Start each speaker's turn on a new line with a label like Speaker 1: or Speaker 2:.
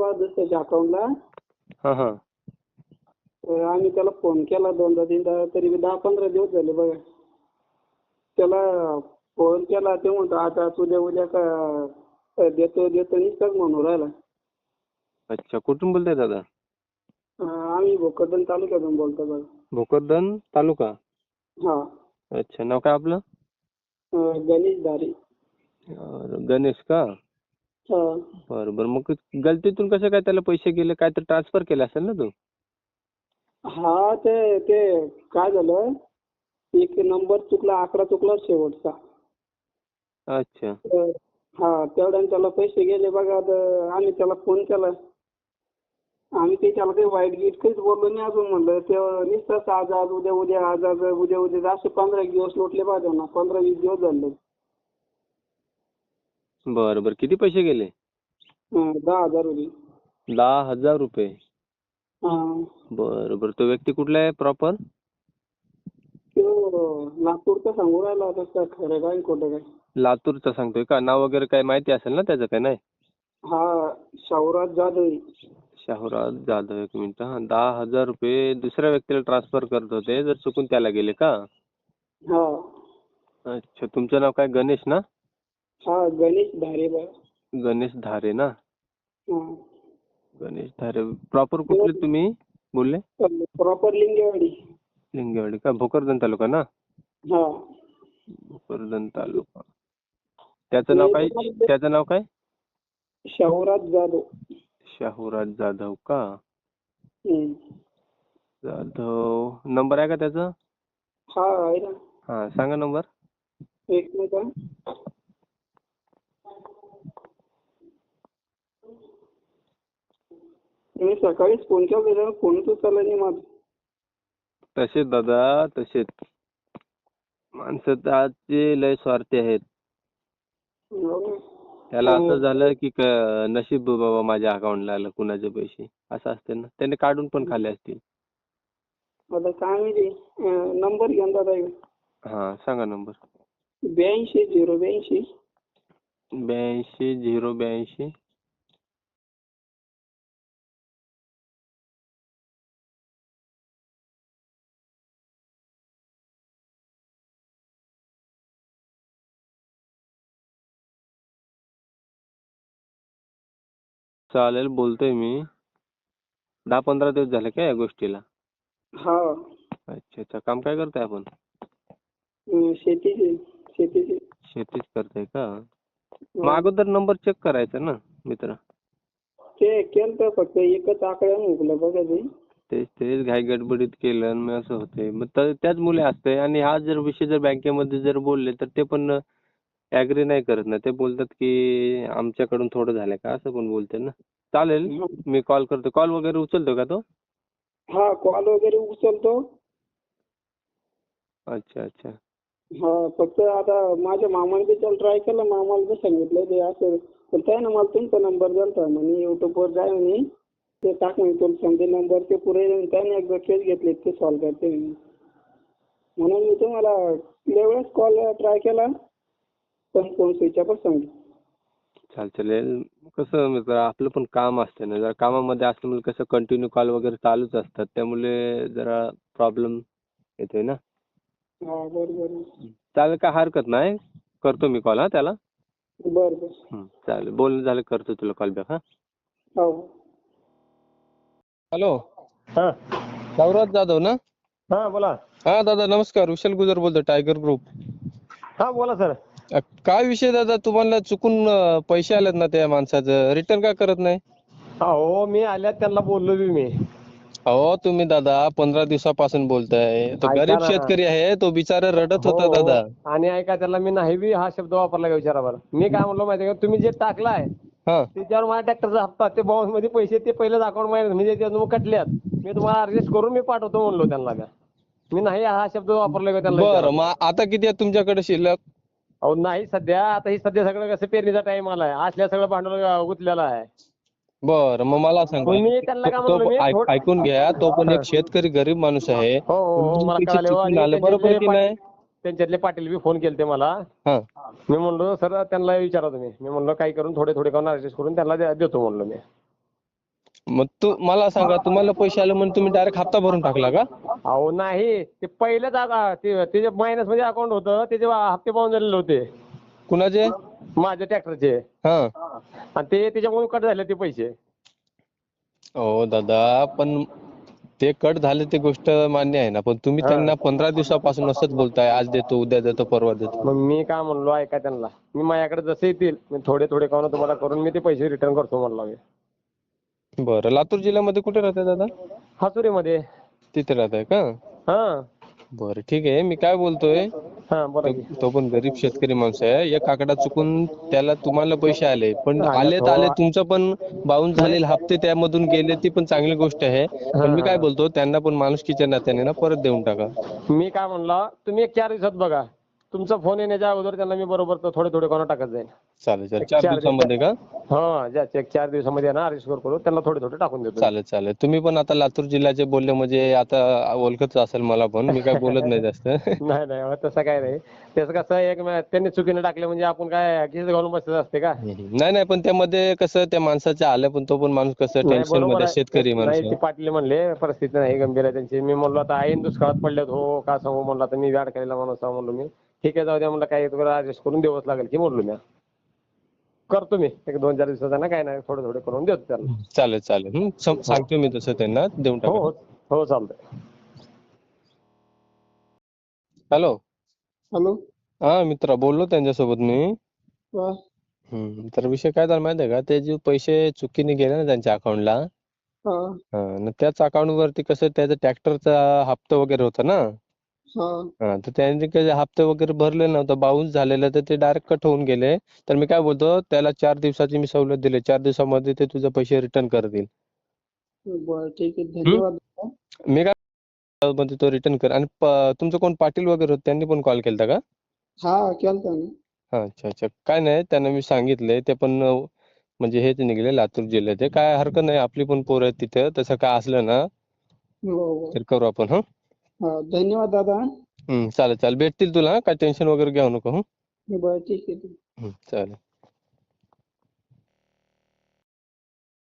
Speaker 1: बा दुसऱ्याच्या अकाउंटला.
Speaker 2: हा हा.
Speaker 1: तर आम्ही त्याला फोन केला 2दा 3दा, तरी 10-15 दिवस झाले बघा. त्याला फोन केला ते म्हणतो आता उद्या का देतो नुसताच म्हणून राहिला.
Speaker 2: अच्छा, कुठून बोलताय दादा?
Speaker 1: आम्ही भोकरदन तालुक्यातून बोलतो बघा.
Speaker 2: भोकरदन तालुका.
Speaker 1: हा.
Speaker 2: अच्छा, नाव काय आपलं?
Speaker 1: गणेश धारे.
Speaker 2: गणेश का?
Speaker 1: हा.
Speaker 2: बरं. मग गलतीतून कसं काय त्याला पैसे गेले? काय तर ट्रान्सफर केले असेल ना तू?
Speaker 1: हा, ते काय झालं, एक नंबर चुकला, आकडा चुकला शेवटचा.
Speaker 2: अच्छा.
Speaker 1: तर हा, तेवढ्याने त्याला पैसे गेले बघा. तर आम्ही त्याला फोन केला. आम्ही त्याला काही वाईट गीट काहीच बोललो नाही अजून. म्हणलं ते नुसतंच आज उद्या उद्या असे 15 दिवस लोटले बा त्यांना. 15-20 दिवस झाले.
Speaker 2: बरं. किती पैसे गेले?
Speaker 1: 10,000 रुपये.
Speaker 2: 10,000 रुपये.
Speaker 1: हा.
Speaker 2: बरं. तो व्यक्ती कुठला आहे प्रॉपर?
Speaker 1: तो नागपूरचा सांगू राहिला होता. काय खरं काय खोटं काय?
Speaker 2: लातूरचा सांगतोय का? नाव वगैरे काय माहिती असेल ना त्याचं? काय नाही?
Speaker 1: हा, शाहूराज जाधव.
Speaker 2: शाहूराज जाधव. एक मिनिट. हा, 10,000 रुपये दुसऱ्या व्यक्तीला ट्रान्सफर करत होते, जर चुकून त्याला गेले का?
Speaker 1: हा.
Speaker 2: अच्छा, तुमचं नाव काय? गणेश ना?
Speaker 1: हा, गणेश धारे बा.
Speaker 2: गणेश धारे ना?
Speaker 1: हा.
Speaker 2: गणेश धारे. प्रॉपर कुठले तुम्ही बोलले?
Speaker 1: प्रॉपर लिंगेवाडी.
Speaker 2: लिंगेवाडी का? भोकरदन तालुका ना?
Speaker 1: हा.
Speaker 2: भोकरदन तालुका. त्याचं नाव काय?
Speaker 1: शाहूराज जाधव.
Speaker 2: शाहूराज जाधव का?
Speaker 1: हम्म.
Speaker 2: जाधव. नंबर आहे का त्याचा?
Speaker 1: हा, आहे ना.
Speaker 2: हा, सांगा नंबर.
Speaker 1: एक मिनिट हा. मी सकाळीच फोन केला त्याला, फोनच उचलला नाही माझा.
Speaker 2: तसेच दादा, तसेच माणसं तर आजचे लय स्वार्थी आहेत. त्याला असं झालं की नशीब बाबा माझ्या अकाउंटला आलं कुणाचे पैसे, असं असते ना. त्याने काढून पण खाल्ले असतील.
Speaker 1: आता काय माहिती. नंबर घेऊन दादा.
Speaker 2: हा, सांगा नंबर.
Speaker 1: 82-082.
Speaker 2: 82-082. चालेल, बोलतोय मी. 10-15 दिवस झाले का या गोष्टीला?
Speaker 1: हा.
Speaker 2: अच्छा. काम काय करताय आपण?
Speaker 1: शेतीची.
Speaker 2: शेतीच करताय का? मग अगोदर नंबर चेक करायचा ना मित्र.
Speaker 1: ते केलं तर फक्त एकच आकड्यानं हुकलं बघा ते.
Speaker 2: तेच घाई गडबडीत केलं आणि मग असं होतंय. मग त्याच मुले असतंय. आणि हा जर विषय जर बँकेमध्ये जर बोलले तर ते पण ऍग्री नाही करत ना. ते बोलतात की आमच्याकडून थोडं झालंय का, असं पण बोलतात ना. चालेल, मी कॉल करतो. कॉल वगैरे उचलतो का तो?
Speaker 1: हा, कॉल वगैरे उचलतो.
Speaker 2: अच्छा.
Speaker 1: हा, फक्त आता माझ्या मामाने बी त्याला ट्राय केला. मामाला बी सांगितलं ते असं. पण त्यानं मला तुमचा नंबर दिलता म्हणे, युट्यूबवर जाय म्हणे, ते टाक म्हणे तुला समजे नंबर. ते पुरे त्याने एकदा केस घेतले ते सॉल्व्ह करते म्हणे. म्हणून मी तुम्हाला लय वेळेस कॉल ट्राय केला, पण फोन स्विच ऑफच सांगितलं.
Speaker 2: चालेल. कसं मित्र, आपलं पण काम असतं ना. जरा कामामध्ये असल्यामुळे कसं कंटिन्यू कॉल वगैरे चालूच असतात. त्यामुळे जरा प्रॉब्लेम येतोय ना.
Speaker 1: हा, बरोबर.
Speaker 2: चालेल, काय हरकत नाही. करतो मी कॉल त्याला.
Speaker 1: बरं.
Speaker 2: चालेल, बोलणं झालं, करतो तुला कॉल बॅक.
Speaker 1: हो.
Speaker 2: हॅलो,
Speaker 3: हा
Speaker 2: शाहूराज जाधव ना?
Speaker 3: हा, बोला.
Speaker 2: हा दादा, नमस्कार. विशाल गुजर बोलतो, टायगर ग्रुप.
Speaker 3: हा, बोला सर.
Speaker 2: काय विषय दादा, तुम्हाला चुकून पैसे आलेत ना त्या माणसाचं, रिटर्न का करत नाही?
Speaker 3: हो, मी आल्यात त्यांना बोललो बी मी.
Speaker 2: अहो तुम्ही दादा 15 दिवसापासून बोलताय. तो
Speaker 3: ऐका
Speaker 2: गरीब
Speaker 3: ना.
Speaker 2: शेतकरी आहे, तो बिचारा रडत
Speaker 3: हो
Speaker 2: होता दादा.
Speaker 3: आणि ऐका, त्याला मी नाही बी हा शब्द वापरला का विचारा बरं. मी काय म्हणलो माहिती का, तुम्ही जे टाकलाय
Speaker 2: हा,
Speaker 3: त्याच्यावर माझ्या ट्रॅक्टरचा हप्ता, ते बाउन्स मध्ये पैसे, ते पहिलेच अकाउंट मध्ये म्हणजे त्यातून कटल्यात. मी तुम्हाला ऍडजस्ट करून मी पाठवतो म्हणलो त्यांना. मी नाही हा शब्द वापरला का त्यांना विचारा.
Speaker 2: बरं, मग आता किती आहे तुमच्याकडे शिल्लक?
Speaker 3: अहो नाही सध्या. आता ही सध्या सगळं कसं पेरणीचा टाइम आलाय, असल्या सगळं भांडवल गुंतलेलं आहे.
Speaker 2: बरं, मग मला सांगा.
Speaker 3: तुम्ही त्यांना काय म्हणलो मी,
Speaker 2: ऐकून घ्या, तो पण एक शेतकरी गरीब माणूस आहे.
Speaker 3: हो, मला
Speaker 2: पैसे
Speaker 3: कळाले.
Speaker 2: चुकून
Speaker 3: आणि
Speaker 2: आलं, बरोबर की नाही?
Speaker 3: त्यांच्यातले पाटील बी फोन केलते मला.
Speaker 2: हा,
Speaker 3: मी म्हणलो सर त्यांना विचारा तुम्ही. मी म्हणलो काही करून थोडे करून ऍडजस्ट करून त्यांना देतो म्हणलो मी.
Speaker 2: मग तू मला सांगा, तुम्हाला पैसे आले म्हणून तुम्ही डायरेक्ट हप्ता भरून टाकला का?
Speaker 3: अहो नाही, ते पहिलेच ते मायनस मध्ये अकाउंट होतं, त्याचे हप्ते पाहून झालेले होते
Speaker 2: कुणाचे?
Speaker 3: माझ्या ट्रॅक्टरचे,
Speaker 2: हा.
Speaker 3: आणि ते त्याच्यामुळे कट झाले ते पैसे.
Speaker 2: हो दादा, पण ते कट झाले ते गोष्ट मान्य आहे ना, पण तुम्ही त्यांना 15 दिवसापासून असंच बोलताय, आज देतो, उद्या देतो, परवा देतो.
Speaker 3: मग मी काय म्हणलो ऐका त्यांना, मी माझ्याकडे जसे येतील मी थोडे थोडे करून तुम्हाला करून मी ते पैसे रिटर्न करतो म्हणलो मी.
Speaker 2: बरं, लातूर जिल्ह्यामध्ये कुठे राहताय दादा?
Speaker 3: हातुरीमध्ये.
Speaker 2: तिथे राहताय का?
Speaker 3: हा
Speaker 2: बरं ठीक आहे. मी काय बोलतोय,
Speaker 3: हा बोला की.
Speaker 2: तो पण गरीब शेतकरी माणूस आहे. एक आकडा चुकून त्याला तुम्हाला पैसे आले, पण
Speaker 3: आलेत, हो.
Speaker 2: आले तुमचं पण बाउन्स झालेले हप्ते त्यामधून गेले, ती पण चांगली गोष्ट आहे. पण मी काय बोलतो, त्यांना पण माणुसकीच्या नात्याने ना परत देऊन टाका.
Speaker 3: मी काय म्हणला, तुम्ही एक 4 दिवसात बघा, तुमचा फोन येण्याच्या अगोदर त्यांना मी बरोबर थोडे थोडे करून टाकत जाईल.
Speaker 2: चालेल चालेल. 4 दिवसामध्ये का?
Speaker 3: हा, ज्याचे 4 दिवसामध्ये ना अरेस्ट करू, त्यांना थोडे थोडे टाकून देतो.
Speaker 2: चालेल चालेल. तुम्ही पण आता लातूर जिल्ह्याचे बोलले म्हणजे आता ओळखत असेल मला पण, मी काय बोलत नाही जास्त.
Speaker 3: नाही नाही, तसं काय नाही. त्याचं कसं एक त्यांनी चुकीने टाकले म्हणजे आपण काय खिस घालून बसत असते का?
Speaker 2: नाही नाही, पण त्यामध्ये कसं त्या माणसाच्या आलं, पण तो पण माणूस कसं
Speaker 3: नाही,
Speaker 2: टेन्शन
Speaker 3: बरोबर
Speaker 2: मध्ये
Speaker 3: आहे.
Speaker 2: शेतकरी
Speaker 3: नाही,
Speaker 2: माणूस.
Speaker 3: ते पाटील म्हणले परिस्थिती नाही गंभीर आहे त्यांची. मी म्हणलो आता ऐन दुष्काळात पडल्यात, हो का सांगू म्हणलं, आता मी व्याड केलेला माणूस आहे म्हणलो मी. ठीक आहे, जाऊ द्या म्हणलं, काय ऍडजस्ट करून द्यावंच लागेल की म्हणलो मी. करतो मी एक 2-4 दिवसात ना, काय नाही, थोडे थोडे करून देतो त्यांना.
Speaker 2: चालेल चालेल. सांगतो मी तसं त्यांना, देऊन
Speaker 3: हो
Speaker 2: टाका.
Speaker 3: हो हो, चालतंय.
Speaker 2: हॅलो.
Speaker 1: हॅलो.
Speaker 2: हा मित्रा, बोललो त्यांच्यासोबत मी.
Speaker 1: वा.
Speaker 2: तर विषय काय झाला माहिती आहे का, ते जे पैसे चुकीने गेले ना त्यांच्या अकाउंटला,
Speaker 1: हा
Speaker 2: त्याच अकाउंट वरती कसं त्याचा ट्रॅक्टरचा हप्ता वगैरे होता ना,
Speaker 1: हा
Speaker 2: तर त्यांनी काही हप्ते वगैरे भरले नव्हतं, बाउन्स झालेलं, तर ते डायरेक्ट कट होऊन गेले. तर मी काय बोलतो, त्याला 4 दिवसाची मी सवलत दिली, 4 दिवसामध्ये ते तुझे पैसे रिटर्न करतील.
Speaker 1: बरं ठीक आहे, धन्यवाद.
Speaker 2: मी काय म्हणतो, तो रिटर्न कर. आणि तुमचं कोण पाटील वगैरे होते, त्यांनी पण कॉल केलता का?
Speaker 1: हा केलता ना.
Speaker 2: अच्छा अच्छा. काय नाही, त्यांना मी सांगितलंय, ते पण म्हणजे हेच निघले लातूर जिल्ह्याचे. काय हरकत नाही, आपली पण पोरं आहेत तिथं, तसं काय असलं ना
Speaker 1: हो
Speaker 2: तर करू आपण.
Speaker 1: हा, धन्यवाद दादा.
Speaker 2: चालेल चालेल. भेटतील तुला, काय टेन्शन वगैरे घेऊ नको.
Speaker 1: बरं ठीक आहे.
Speaker 2: चालेल.